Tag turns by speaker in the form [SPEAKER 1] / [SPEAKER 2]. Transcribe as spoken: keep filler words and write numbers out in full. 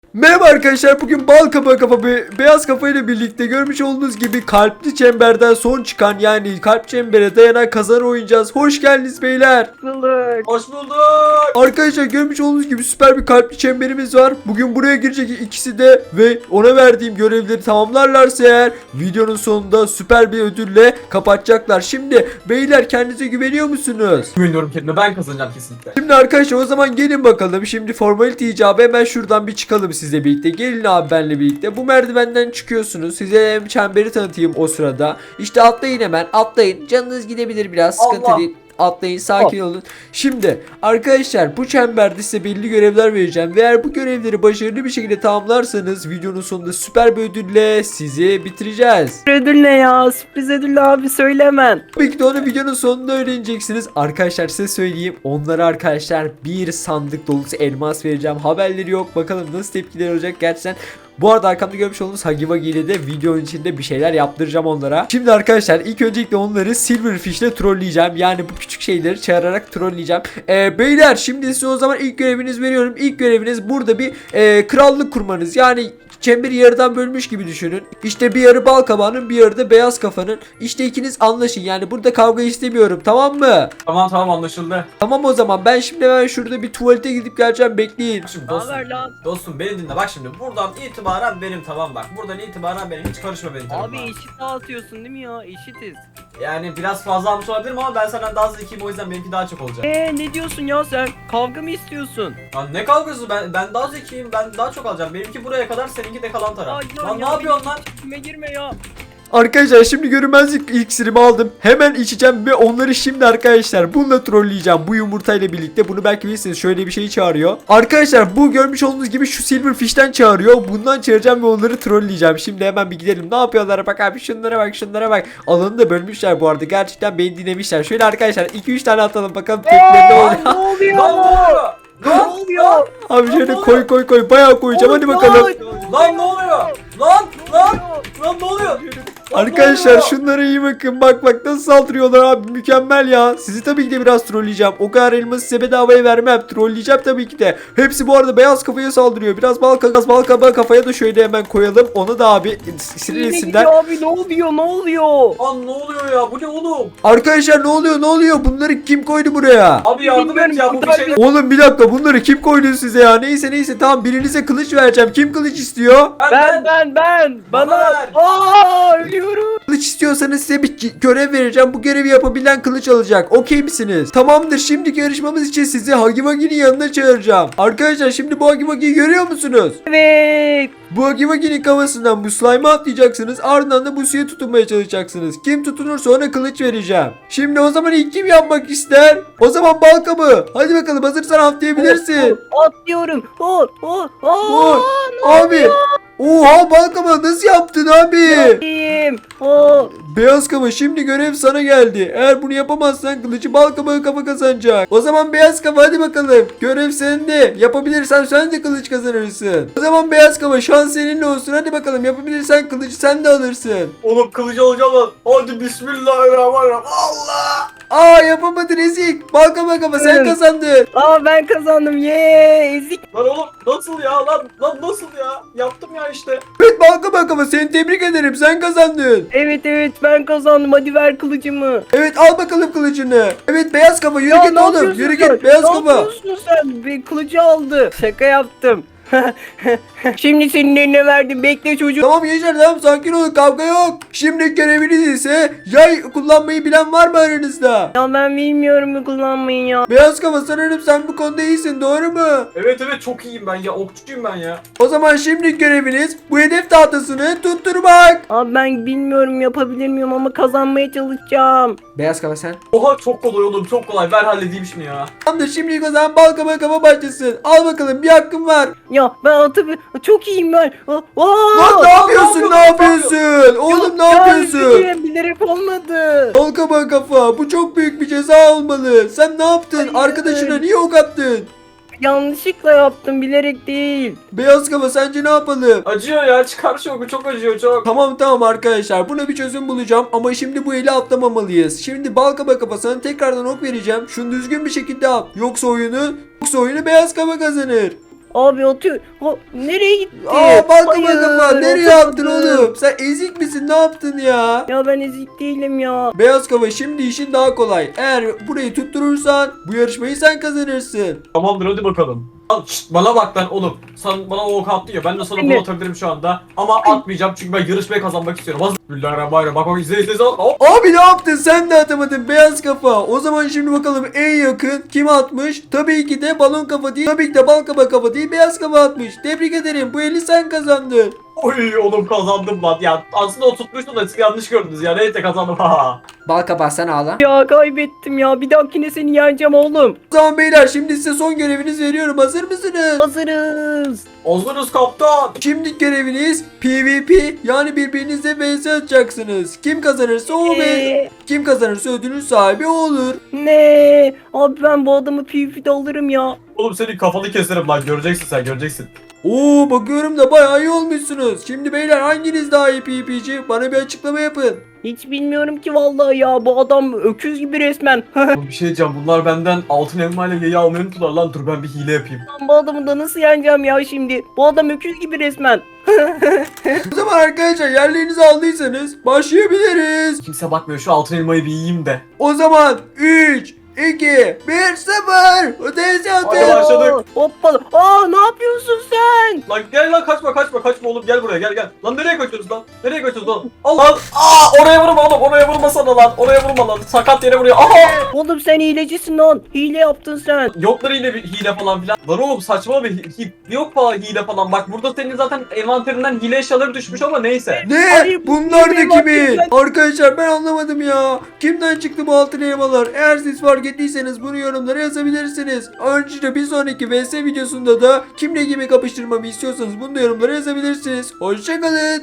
[SPEAKER 1] Merhaba arkadaşlar, bugün bal kafa kafa be beyaz kafa ile birlikte görmüş olduğunuz gibi kalpli çemberden son çıkan, yani kalp çembere dayanan kazanı oynayacağız. Hoş geldiniz beyler.
[SPEAKER 2] Bulduk.
[SPEAKER 3] Hoş bulduk.
[SPEAKER 1] Arkadaşlar görmüş olduğunuz gibi süper bir kalpli çemberimiz var. Bugün buraya girecek ikisi de ve ona verdiğim görevleri tamamlarlarsa eğer videonun sonunda süper bir ödülle kapatacaklar. Şimdi beyler, kendinize güveniyor musunuz?
[SPEAKER 3] Güveniyorum kendime, ben kazanacağım kesinlikle.
[SPEAKER 1] Şimdi arkadaşlar o zaman gelin bakalım. Şimdi formalite icabı hemen şuradan bir çıkalım sizle birlikte. Gelin abi benle birlikte. Bu merdivenden çıkıyorsunuz. Size hem çemberi tanıtayım o sırada. İşte atlayın, hemen atlayın. Canınız gidebilir biraz, sıkıntı
[SPEAKER 3] Allah.
[SPEAKER 1] değil. Atlayın, sakin olun. Şimdi arkadaşlar bu çemberde size belli görevler vereceğim. Ve eğer bu görevleri başarılı bir şekilde tamamlarsanız videonun sonunda süper bir ödülle sizi bitireceğiz.
[SPEAKER 2] Ödül ne ya? Sürpriz ödül abi, söyle hemen.
[SPEAKER 1] Tabii ki de onu videonun sonunda öğreneceksiniz. Arkadaşlar size söyleyeyim. Onlara arkadaşlar bir sandık dolusu elmas vereceğim. Haberleri yok. Bakalım nasıl tepkiler olacak gerçekten. Bu arada arkamda görmüş olduğunuz Huggy Wuggy ile de videonun içinde bir şeyler yaptıracağım onlara. Şimdi arkadaşlar ilk öncelikle onları Silverfish ile trolleyeceğim. Yani bu küçük şeyleri çağırarak trolleyeceğim. Ee, beyler şimdi size o zaman ilk göreviniz veriyorum. İlk göreviniz burada bir e, krallık kurmanız. Yani çemberi yarıdan bölmüş gibi düşünün. İşte bir yarı bal kabağının, bir yarı da beyaz kafanın. İşte ikiniz anlaşın. Yani burada kavga istemiyorum, tamam mı?
[SPEAKER 3] Tamam tamam, anlaşıldı.
[SPEAKER 1] Tamam o zaman ben şimdi hemen şurada bir tuvalete gidip geleceğim, bekleyin.
[SPEAKER 3] Bak şimdi
[SPEAKER 2] Ne
[SPEAKER 3] dostum,
[SPEAKER 2] haber lan?
[SPEAKER 3] dostum beni dinle, bak şimdi buradan itibaren benim, tamam bak. Buradan itibaren benim, hiç karışma benim
[SPEAKER 2] Abi
[SPEAKER 3] tarafıma.
[SPEAKER 2] eşit dağıtıyorsun değil mi ya? Eşitiz.
[SPEAKER 3] Yani biraz fazla almış olabilirim ama ben senden daha zekiyim, o yüzden benimki daha çok olacak.
[SPEAKER 2] Eee ne diyorsun ya sen? Kavga mı istiyorsun?
[SPEAKER 3] Lan ne kavgası, ben ben daha zekiyim, ben daha çok alacağım. Benimki buraya kadar, seninki de kalan taraf.
[SPEAKER 2] Ay,
[SPEAKER 3] Lan ne
[SPEAKER 2] ya,
[SPEAKER 3] yapıyorsun lan?
[SPEAKER 2] Kime girme ya.
[SPEAKER 1] Arkadaşlar şimdi görünmezlik iksirimi aldım. Hemen içeceğim ve onları şimdi arkadaşlar bununla trolleyeceğim. Bu yumurtayla birlikte. Bunu belki bilirsiniz, şöyle bir şey çağırıyor. Arkadaşlar bu görmüş olduğunuz gibi şu Silverfish'ten çağırıyor. Bundan çağıracağım ve onları trolleyeceğim. Şimdi hemen bir gidelim. Ne yapıyorlar? Bak abi, şunlara bak, şunlara bak. Alanı da bölmüşler bu arada. Gerçekten beni dinlemişler. Şöyle arkadaşlar iki üç tane atalım bakalım tepkileri ne
[SPEAKER 3] Lan
[SPEAKER 1] oluyor.
[SPEAKER 2] Ne oluyor?
[SPEAKER 3] Lan ne oluyor?
[SPEAKER 2] Ne
[SPEAKER 3] Lan
[SPEAKER 2] oluyor?
[SPEAKER 1] Abi şöyle koy koy koy. Bayağı koyacağım. Hadi bakalım.
[SPEAKER 3] Lan ne oluyor? Lan lan lan ne oluyor?
[SPEAKER 1] Arkadaşlar şunlara iyi bakın. Bak bak nasıl saldırıyorlar abi. Mükemmel ya. Sizi tabii ki de biraz trolleyeceğim. O kadar elması size bedavaya vermem. Trolleyeceğim tabii ki de. Hepsi bu arada beyaz kafaya saldırıyor. Biraz bal, biraz bal kabağı kafaya da şöyle hemen koyalım. Onu da abi sinirlesinler.
[SPEAKER 2] Abi ne oluyor? Ne oluyor?
[SPEAKER 3] Lan ne oluyor ya? Bu ne oğlum?
[SPEAKER 1] Arkadaşlar ne oluyor ne oluyor? Bunları kim koydu buraya?
[SPEAKER 3] Abi yardım et ya, bu bir şey.
[SPEAKER 1] Oğlum bir dakika, bunları kim koydu size ya? Neyse neyse, tamam, birinize kılıç vereceğim. Kim kılıç istiyor?
[SPEAKER 2] Ben ben ben.
[SPEAKER 3] Bana
[SPEAKER 2] Bana.
[SPEAKER 3] ver.
[SPEAKER 2] Aa, ölüyorum.
[SPEAKER 1] Kılıç istiyorsanız size bir görev vereceğim. Bu görevi yapabilen kılıç alacak. Okey misiniz? Tamamdır. Şimdiki yarışmamız için sizi Huggy Wuggy'nin yanına çağıracağım. Arkadaşlar şimdi bu Huggy Wuggy'yi görüyor musunuz?
[SPEAKER 2] Evet.
[SPEAKER 1] Bu Huggy Wuggy'nin kafasından bu slime'a atlayacaksınız. Ardından da bu suya tutunmaya çalışacaksınız. Kim tutunursa ona kılıç vereceğim. Şimdi o zaman ilk kim yapmak ister? O zaman bal kabuğu. Hadi bakalım, hazırsan atlayabilirsin.
[SPEAKER 2] Atlıyorum. Oh, oh, oh.
[SPEAKER 1] Oy, abi. Oha, bal kabuğu nasıl yaptın abi?
[SPEAKER 2] İyiyim. Oh.
[SPEAKER 1] Beyaz kafa, şimdi görev sana geldi. Eğer bunu yapamazsan kılıcı bal kabağı kafa kazanacak. O zaman beyaz kafa hadi bakalım. Görev sende. Yapabilirsen sen de kılıç kazanırsın. O zaman beyaz kafa, şans seninle olsun. Hadi bakalım, yapabilirsen kılıcı sen de alırsın.
[SPEAKER 3] Oğlum kılıcı alacağım lan. Hadi bismillahirrahmanirrahim. Allah!
[SPEAKER 1] Aa, yapamadın ezik. Bal kafa kafa, sen
[SPEAKER 2] Evet.
[SPEAKER 1] kazandın.
[SPEAKER 2] Aa, ben kazandım. Yee, ezik.
[SPEAKER 3] Lan oğlum nasıl ya lan? Lan nasıl ya? Yaptım ya işte.
[SPEAKER 1] Evet bal kafa kafa, seni tebrik ederim, sen kazandın.
[SPEAKER 2] Evet evet, ben kazandım. Hadi ver kılıcımı.
[SPEAKER 1] Evet, al bakalım kılıcını. Evet beyaz kafa, yürü
[SPEAKER 2] Ya,
[SPEAKER 1] git
[SPEAKER 2] ne
[SPEAKER 1] oğlum.
[SPEAKER 2] yapıyorsun
[SPEAKER 1] Yürü
[SPEAKER 2] sen?
[SPEAKER 1] git beyaz
[SPEAKER 2] Ne
[SPEAKER 1] kafa.
[SPEAKER 2] yapıyorsun sen? Bir kılıcı aldı. Şaka yaptım. Şimdi senin eline verdim. Bekle çocuk.
[SPEAKER 1] Tamam gençler, tamam, sakin olun, kavga yok. Şimdi göreviniz ise yay kullanmayı bilen var mı aranızda?
[SPEAKER 2] Ya ben bilmiyorum bu kullanmayı ya.
[SPEAKER 1] Beyaz kafa, sanırım sen bu konuda iyisin, doğru mu?
[SPEAKER 3] Evet evet, çok iyiyim ben ya. Okçuyum ben ya.
[SPEAKER 1] O zaman şimdi göreviniz bu hedef tahtasını tutturmak.
[SPEAKER 2] Abi ben bilmiyorum yapabilir miyim ama kazanmaya çalışacağım.
[SPEAKER 1] Beyaz kafa sen.
[SPEAKER 3] Oha çok kolay oğlum, çok kolay. Ver halledeyim şunu ya.
[SPEAKER 1] Tamamdır, şimdi o zaman bal kafa kafa başlasın. Al bakalım, bir hakkın var.
[SPEAKER 2] Ya ben atı çok iyiyim ben. Aa,
[SPEAKER 1] Lan ne yapıyorsun, ne yapıyorsun? Oğlum ne yapıyorsun?
[SPEAKER 2] Ya, bilerek olmadı.
[SPEAKER 1] Bal kafa kafa, bu çok büyük bir ceza olmalı. Sen ne yaptın?
[SPEAKER 2] Hayır.
[SPEAKER 1] Arkadaşına niye ok attın?
[SPEAKER 2] Yanlışlıkla yaptım, bilerek değil.
[SPEAKER 1] Beyaz kafa, sence ne yapalım?
[SPEAKER 3] Acıyor ya, çıkar şu oku, çok acıyor çok.
[SPEAKER 1] Tamam tamam arkadaşlar, buna bir çözüm bulacağım ama şimdi bu eli atlamamalıyız. Şimdi bal kaba kafasına tekrardan ok vereceğim. Şunu düzgün bir şekilde at. Yoksa oyunu, yoksa oyunu beyaz kaba kazanır.
[SPEAKER 2] Abi atıyor. Ha, nereye gitti?
[SPEAKER 1] Aa balkama
[SPEAKER 2] Hayır,
[SPEAKER 1] kafa nereye
[SPEAKER 2] atamadım.
[SPEAKER 1] yaptın oğlum? Sen ezik misin, ne yaptın ya?
[SPEAKER 2] Ya ben ezik değilim ya.
[SPEAKER 1] Beyaz kafa, şimdi işin daha kolay. Eğer burayı tutturursan bu yarışmayı sen kazanırsın.
[SPEAKER 3] Tamamdır hadi bakalım. Lan şşt, bana bak lan oğlum. Sen bana o ok attın ya, ben de sana
[SPEAKER 2] Ne?
[SPEAKER 3] bunu atabilirim şu anda. Ama atmayacağım çünkü ben yarışmayı kazanmak istiyorum. Bismillahirrahmanirrahim. Bak bak izle izle izle. Hop.
[SPEAKER 1] Abi ne yaptın, sen de atamadın beyaz kafa. O zaman şimdi bakalım en yakın kim atmış? Tabii ki de balon kafa değil. Tabii ki de bal kafa kafa değil, beyaz kafa atmış. Tebrik ederim, bu eli sen kazandın.
[SPEAKER 3] Oy oğlum kazandım lan. Ya aslında o tutmuştu da siz yanlış gördünüz ya. Neyse kazandım. Ha.
[SPEAKER 1] Bal kafa sen ağla.
[SPEAKER 2] Ya kaybettim ya. Bir dahakine seni yeneceğim oğlum.
[SPEAKER 1] O zaman beyler şimdi size son görevinizi veriyorum. Hazır mısınız?
[SPEAKER 2] Hazırız.
[SPEAKER 3] Hazırız kaptan.
[SPEAKER 1] Şimdiki göreviniz PvP, yani birbirinizle vs atacaksınız. Kim kazanırsa o ve
[SPEAKER 2] Ee,
[SPEAKER 1] kim kazanırsa ödülün sahibi o olur.
[SPEAKER 2] ne? Abi ben bu adamı P V P'de alırım ya.
[SPEAKER 3] Oğlum senin kafanı keserim lan. Göreceksin sen göreceksin.
[SPEAKER 1] Oo bakıyorum da bayağı iyi olmuşsunuz. Şimdi beyler hanginiz daha iyi PvP'ci? Bana bir açıklama yapın.
[SPEAKER 2] Hiç bilmiyorum ki vallahi ya. Bu adam öküz gibi resmen.
[SPEAKER 3] Oğlum bir şey diyeceğim. Bunlar benden altın elma ile yayı almayı unuttular lan. Dur ben bir hile yapayım.
[SPEAKER 2] Ben bu adamı da nasıl yeneceğim ya şimdi? Bu adam öküz gibi resmen.
[SPEAKER 1] O zaman arkadaşlar yerlerinizi aldıysanız başlayabiliriz.
[SPEAKER 3] Kimse bakmıyor. Şu altın elmayı bir yiyeyim de.
[SPEAKER 1] O zaman üç, iki, bir, sıfır. Ötesi
[SPEAKER 3] Hadi
[SPEAKER 1] atın.
[SPEAKER 3] başladık.
[SPEAKER 2] Oo, Hoppala. Aa ne yapıyorsun sen?
[SPEAKER 3] Lan gel lan kaçma kaçma kaçma oğlum gel buraya gel gel. Lan nereye kaçıyoruz lan? Nereye kaçıyoruz lan? Allah! Aa oraya vurma oğlum oraya vurma sana lan. Oraya vurma lan. Sakat yere vuruyor. Aha!
[SPEAKER 2] Oğlum sen hilecisin lan. Hile yaptın sen.
[SPEAKER 3] Yoklar yine bir hile falan filan. Lan oğlum saçma bir hi- hi- yok falan hile falan. Bak burada senin zaten envanterinden hile eşyaları düşmüş ama neyse.
[SPEAKER 1] Ne?
[SPEAKER 2] Hayır,
[SPEAKER 1] Bunlar da
[SPEAKER 2] benim
[SPEAKER 1] kimin?
[SPEAKER 2] hakkım
[SPEAKER 1] Arkadaşlar ben anlamadım ya. Kimden çıktı bu altın elmalar? Eğer siz fark ettiyseniz bunu yorumlara yazabilirsiniz. Ayrıca bir sonraki V S videosunda da kimle kimi kapıştırmamı istiyorsanız bunu da yorumlara yazabilirsiniz. Hoşçakalın.